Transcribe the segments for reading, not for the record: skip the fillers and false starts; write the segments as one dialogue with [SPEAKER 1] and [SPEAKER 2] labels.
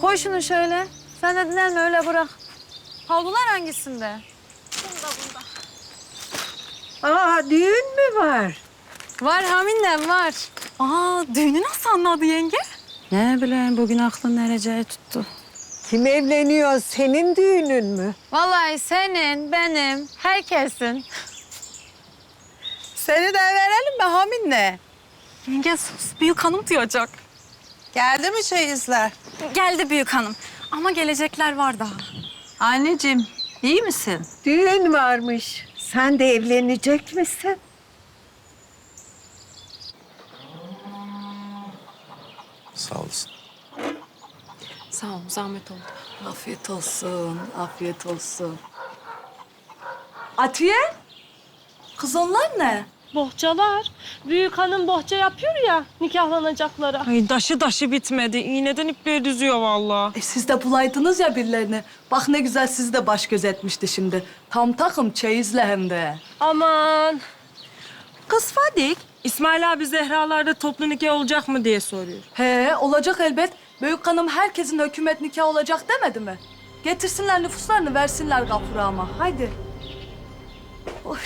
[SPEAKER 1] Koy şunu şöyle. Sen de dinlenme, öyle bırak. Havlular hangisinde? Bunda.
[SPEAKER 2] Aa, düğün mü var?
[SPEAKER 1] Var Haminem, var.
[SPEAKER 3] Düğünü nasıl anladı yenge?
[SPEAKER 1] Ne bileyim, bugün aklın nereye tuttu.
[SPEAKER 2] Kim evleniyor? Senin düğünün mü?
[SPEAKER 1] Vallahi senin, benim, herkesin.
[SPEAKER 4] Seni de verelim mi Hamine?
[SPEAKER 3] Yenge sus, büyük hanım duyacak.
[SPEAKER 4] Geldi mi çeyizler?
[SPEAKER 3] Geldi büyük hanım ama gelecekler var daha.
[SPEAKER 4] Anneciğim, iyi misin?
[SPEAKER 2] Düğün varmış. Sen de evlenecek misin?
[SPEAKER 5] Sağ olasın.
[SPEAKER 3] Sağ ol, zahmet oldu.
[SPEAKER 4] Afiyet olsun, afiyet olsun. Atiye, kız onlar ne?
[SPEAKER 6] Bohçalar. Büyük hanım bohça yapıyor ya nikahlanacaklara.
[SPEAKER 7] Ay daşı bitmedi. İğneden ipliğe düzüyor vallahi.
[SPEAKER 4] Siz de bulaydınız ya birilerini. Bak ne güzel sizi de baş göz etmişti şimdi. Tam takım çeyizle hem de.
[SPEAKER 6] Aman.
[SPEAKER 7] Kız Fadik, İsmail abi Zehra'larda toplu nikah olacak mı diye soruyor.
[SPEAKER 4] He, olacak elbet. Büyük hanım herkesin hükümet nikahı olacak demedi mi? Getirsinler nüfuslarını versinler Gafur'a ama. Haydi. Oy.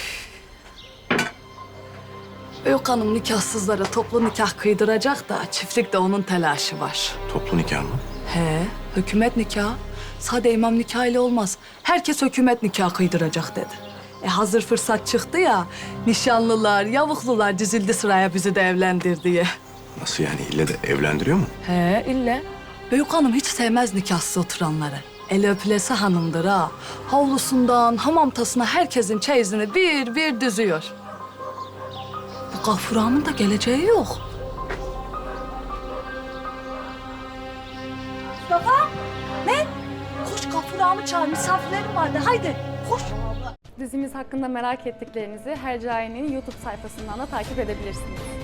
[SPEAKER 4] Büyük hanım nikahsızlara toplu nikah kıydıracak da çiftlikte onun telaşı var.
[SPEAKER 5] Toplu nikah mı?
[SPEAKER 4] He, hükümet nikahı. Sade imam nikahıyla olmaz. Herkes hükümet nikahı kıydıracak dedi. Hazır fırsat çıktı ya, nişanlılar, yavuklular dizildi sıraya bizi de evlendir diye.
[SPEAKER 5] Nasıl yani? İlle de evlendiriyor mu?
[SPEAKER 4] He, ille. Büyük hanım hiç sevmez nikahsız oturanları. El öpülesi hanımdır ha. Havlusundan hamamtasına herkesin çeyizini bir bir düzüyor. Bu Gafur ağamın da geleceği yok. Mustafa, ne? Koş Gafur ağamı çağır, misafirlerim vardı. Haydi, koş.
[SPEAKER 8] Dizimiz hakkında merak ettiklerinizi Hercai'nin YouTube sayfasından da takip edebilirsiniz.